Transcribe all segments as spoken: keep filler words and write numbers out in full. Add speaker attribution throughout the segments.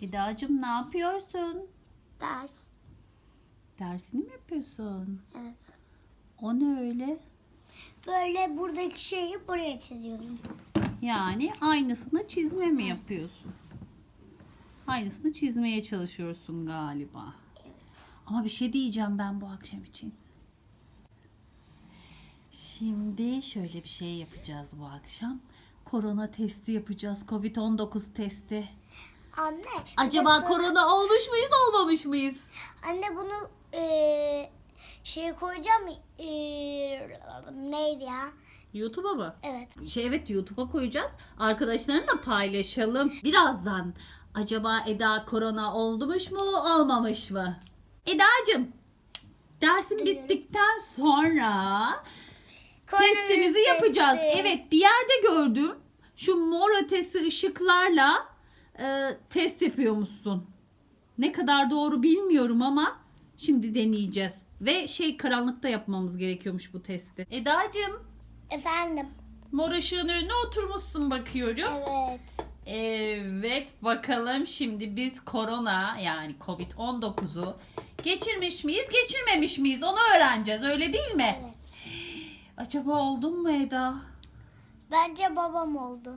Speaker 1: Eda'cığım ne yapıyorsun?
Speaker 2: Ders.
Speaker 1: Dersini mi yapıyorsun?
Speaker 2: Evet.
Speaker 1: O ne öyle?
Speaker 2: Böyle buradaki şeyi buraya çiziyorum.
Speaker 1: Yani aynısını çizme mi yapıyorsun? Aynısını çizmeye çalışıyorsun galiba.
Speaker 2: Evet.
Speaker 1: Ama bir şey diyeceğim ben bu akşam için. Şimdi şöyle bir şey yapacağız bu akşam. Korona testi yapacağız. covid on dokuz testi.
Speaker 2: Anne.
Speaker 1: Acaba
Speaker 2: burası-
Speaker 1: korona olmuş muyuz, olmamış mıyız?
Speaker 2: Anne bunu eee şey koyacağım. Eee, neydi ya?
Speaker 1: YouTube'a mı?
Speaker 2: Evet.
Speaker 1: Şey evet YouTube'a koyacağız. Arkadaşlarınla paylaşalım. Birazdan acaba Eda korona olmuş mu olmamış mı? Eda'cığım dersin
Speaker 2: Duyuyorum.
Speaker 1: bittikten sonra
Speaker 2: Koronavirüs
Speaker 1: testimizi yapacağız.
Speaker 2: testi.
Speaker 1: Evet bir yerde gördüm. Şu mor ötesi ışıklarla e, test yapıyormuşsun. Ne kadar doğru bilmiyorum ama şimdi deneyeceğiz. Ve şey karanlıkta yapmamız gerekiyormuş bu testi. Eda'cığım
Speaker 2: Efendim.
Speaker 1: mor ışığın önüne oturmuşsun bakıyorum.
Speaker 2: Evet.
Speaker 1: Evet bakalım şimdi biz korona yani covid on dokuzu geçirmiş miyiz geçirmemiş miyiz onu öğreneceğiz öyle değil mi?
Speaker 2: Evet.
Speaker 1: Acaba oldun mu Eda?
Speaker 2: Bence babam oldu.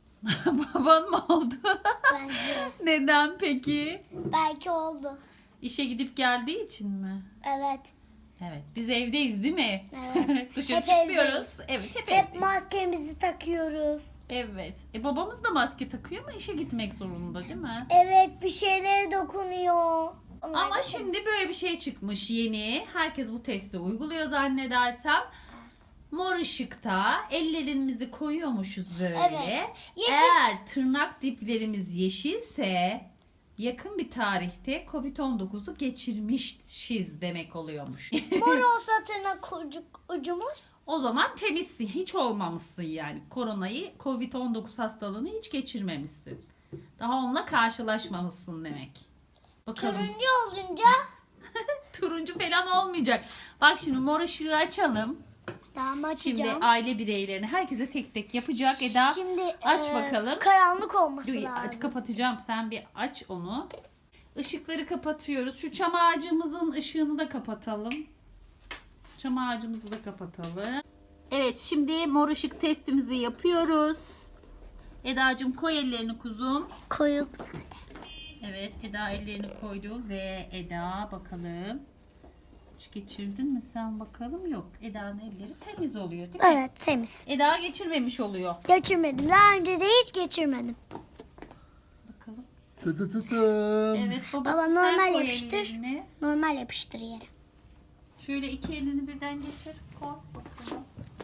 Speaker 1: Baban mı oldu?
Speaker 2: Bence.
Speaker 1: Neden peki?
Speaker 2: Belki oldu.
Speaker 1: İşe gidip geldiği için mi?
Speaker 2: Evet.
Speaker 1: Evet biz evdeyiz değil mi?
Speaker 2: Evet.
Speaker 1: Dışarı
Speaker 2: Hep
Speaker 1: çıkmıyoruz.
Speaker 2: evdeyiz.
Speaker 1: Evet hep,
Speaker 2: Hep
Speaker 1: evdeyiz.
Speaker 2: maskemizi takıyoruz.
Speaker 1: Evet. E babamız da maske takıyor ama işe gitmek zorunda değil mi?
Speaker 2: Evet, bir şeylere dokunuyor. Onlar
Speaker 1: Ama
Speaker 2: da-
Speaker 1: şimdi böyle bir şey çıkmış yeni. Herkes bu testi uyguluyor zannedersem. Mor ışıkta ellerimizi koyuyormuşuz böyle.
Speaker 2: Evet. Yeşil-
Speaker 1: Eğer tırnak diplerimiz yeşilse yakın bir tarihte covid on dokuzu geçirmişiz demek oluyormuş.
Speaker 2: Mor olsa tırnak ucu, ucumuz.
Speaker 1: O zaman temizsin. Hiç olmamışsın yani. Koronayı, covid on dokuz hastalığını hiç geçirmemişsin. Daha onunla karşılaşmamışsın demek. Bakalım.
Speaker 2: Turuncu olunca
Speaker 1: Turuncu falan olmayacak. Bak şimdi mor ışığı açalım.
Speaker 2: tamam
Speaker 1: Şimdi
Speaker 2: açacağım.
Speaker 1: aile bireylerini herkese tek tek yapacak. Eda
Speaker 2: Şimdi
Speaker 1: aç
Speaker 2: e,
Speaker 1: bakalım.
Speaker 2: karanlık olması
Speaker 1: Dur,
Speaker 2: lazım.
Speaker 1: aç, kapatacağım. Sen bir aç onu. Işıkları kapatıyoruz. Şu çam ağacımızın ışığını da kapatalım. Çam ağacımızı da kapatalım. Evet şimdi mor ışık testimizi yapıyoruz. Eda'cığım koy ellerini kuzum.
Speaker 2: Koyup
Speaker 1: Evet Eda ellerini koydu ve Eda bakalım. Hiç geçirdin mi sen bakalım? Yok. Eda'nın elleri temiz oluyor değil mi?
Speaker 2: evet, temiz.
Speaker 1: Eda geçirmemiş oluyor.
Speaker 2: Geçirmedim. Daha önce de hiç geçirmedim.
Speaker 1: Bakalım.
Speaker 3: Tı tı tı tım.
Speaker 1: Evet babası
Speaker 2: Baba,
Speaker 1: sen
Speaker 2: normal
Speaker 1: koy
Speaker 2: yapıştır.
Speaker 1: ellerini.
Speaker 2: Normal yapıştır yere.
Speaker 1: Şöyle iki elini birden getir. Koy bakalım.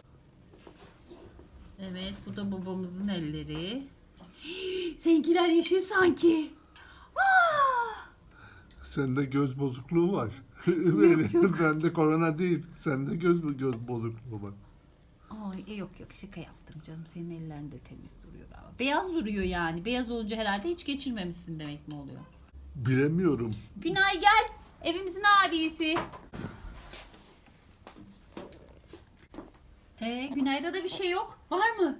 Speaker 1: Evet bu da babamızın elleri. Seninkiler yeşil sanki. Aa!
Speaker 3: Sende göz bozukluğu var. Benim, bende korona değil. Sende göz göz bozukluğu var.
Speaker 1: Ay e, yok yok şaka yaptım canım. Senin ellerin de temiz duruyor galiba. Beyaz duruyor yani. Beyaz olunca herhalde hiç geçirmemişsin demek mi oluyor?
Speaker 3: Bilemiyorum.
Speaker 1: Günay gel. Evimizin abisi. Ee, Günay'da da bir şey yok. Var mı?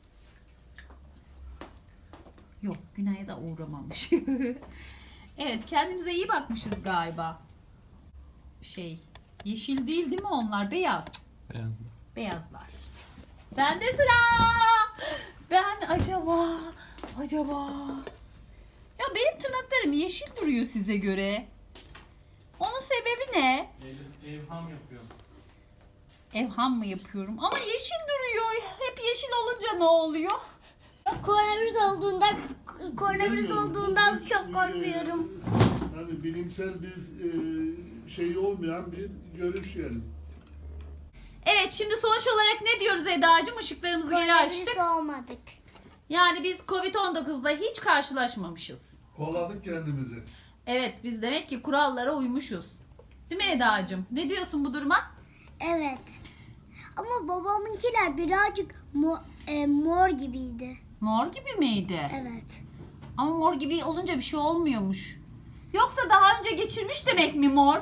Speaker 1: Yok. Günay'a da uğramamış. Evet. Kendimize iyi bakmışız galiba. Şey. Yeşil değil değil mi onlar? Beyaz.
Speaker 3: Beyaz.
Speaker 1: Beyazlar. Bende sıra. Ben acaba acaba ya benim tırnaklarım yeşil duruyor size göre. Onun sebebi ne?
Speaker 4: Ev, evham yapıyor.
Speaker 1: Evham mı yapıyorum? Ama yeşil duruyor. Hep yeşil olunca ne oluyor?
Speaker 2: Koronavirüs olduğunda koronavirüs olduğundan çok korkuyorum.
Speaker 3: Yani bilimsel bir e, şey olmayan bir görüş yani.
Speaker 1: Evet şimdi sonuç olarak ne diyoruz Eda'cığım? Işıklarımızı geri açtık.
Speaker 2: Koronavirüs olmadık.
Speaker 1: Yani biz covid on dokuzla hiç karşılaşmamışız.
Speaker 3: Kolladık kendimizi.
Speaker 1: Evet biz demek ki kurallara uymuşuz. Değil mi Eda'cığım? Ne diyorsun bu duruma?
Speaker 2: Evet. Ama babamınkiler birazcık mor, e, mor gibiydi.
Speaker 1: Mor gibi miydi?
Speaker 2: Evet.
Speaker 1: Ama mor gibi olunca bir şey olmuyormuş. Yoksa daha önce geçirmiş demek mi mor?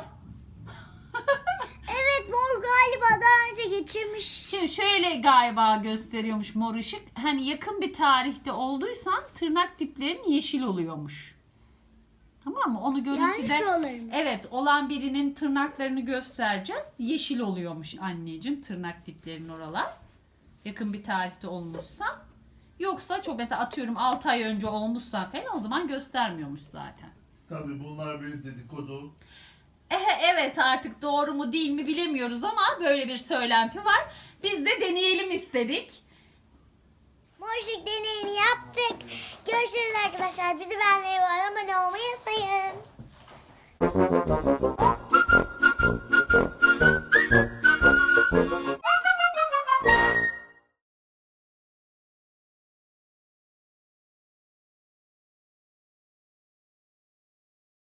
Speaker 2: Evet, mor galiba daha önce geçirmiş.
Speaker 1: Şimdi şöyle galiba gösteriyormuş mor ışık. Hani yakın bir tarihte olduysan tırnak diplerin yeşil oluyormuş. Tamam mı? Onu görüntüde
Speaker 2: Yani şu olurmuş.
Speaker 1: evet olan birinin tırnaklarını göstereceğiz. Yeşil oluyormuş anneciğim tırnak diplerinin oralar. Yakın bir tarihte olmuşsa. Yoksa çok mesela atıyorum altı ay önce olmuşsa falan o zaman göstermiyormuş zaten.
Speaker 3: Tabii bunlar bir dedikodu.
Speaker 1: Eh, evet artık doğru mu değil mi bilemiyoruz ama böyle bir söylenti var. Biz de deneyelim istedik.
Speaker 2: Mor ışık deneyini yaptık. Görüşürüz arkadaşlar. Bizi beğenmeyi ve abone olmayı unutmayın.